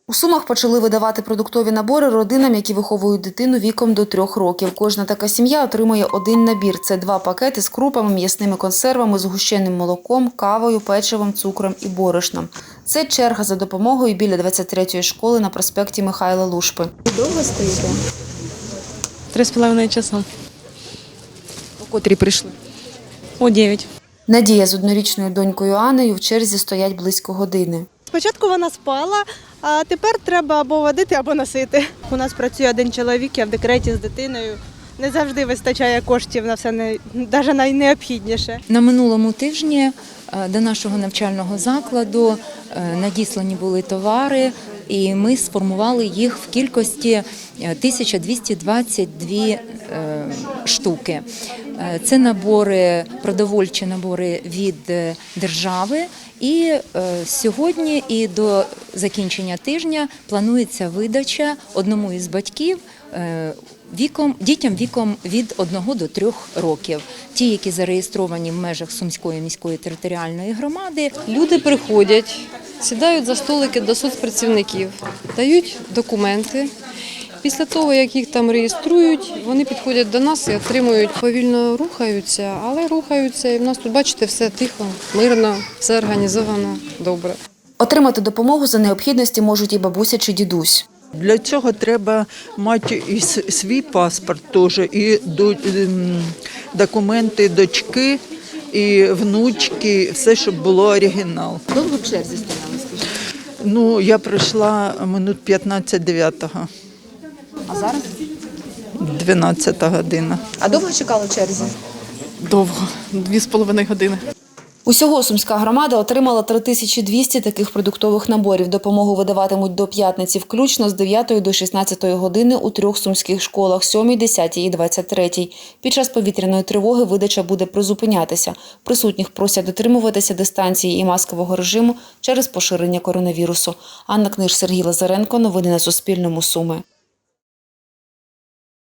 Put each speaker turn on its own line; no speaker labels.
У Сумах почали видавати продуктові набори родинам, які виховують дитину віком до 3 років. Кожна така сім'я отримує один набір. Це 2 пакети з крупами, м'ясними консервами, згущеним молоком, кавою, печивом, цукром і борошном. Це черга за допомогою біля 23-ї школи на проспекті Михайла Лушпи.
Довго стоїте?
3,5 часа.
О котрій прийшли?
О 9.
Надія з однорічною донькою Анною в черзі стоять близько години.
Спочатку вона спала, а тепер треба або водити, або носити. У нас працює один чоловік, я в декреті з дитиною. Не завжди вистачає коштів на все, навіть найнеобхідніше.
На минулому тижні до нашого навчального закладу надіслані були товари, і ми сформували їх в кількості 1222 штуки. Це набори, продовольчі набори від держави. І сьогодні і до закінчення тижня планується видача одному із батьків дітям віком від 1 до 3 років. Ті, які зареєстровані в межах Сумської міської територіальної громади.
Люди приходять, сідають за столики до соцпрацівників, дають документи. Після того, як їх там реєструють, вони підходять до нас і отримують. Повільно рухаються, але рухаються. І в нас тут, бачите, все тихо, мирно, все організовано, добре.
Отримати допомогу за необхідності можуть і бабуся чи дідусь.
Для цього треба мати і свій паспорт теж, і документи дочки, і внучки, все, щоб було оригінал.
Довго в черзі стояли, скажіть?
Ну, я прийшла минут 15-9.
А зараз?
12 година.
А довго чекали в черзі?
Довго, 2,5 години.
Усього Сумська громада отримала 3200 таких продуктових наборів. Допомогу видаватимуть до п'ятниці включно з 9 до 16 години у 3 сумських школах – 7, 10 і 23. Під час повітряної тривоги видача буде призупинятися. Присутніх просять дотримуватися дистанції і маскового режиму через поширення коронавірусу. Анна Книж, Сергій Лазаренко. Новини на Суспільному. Суми.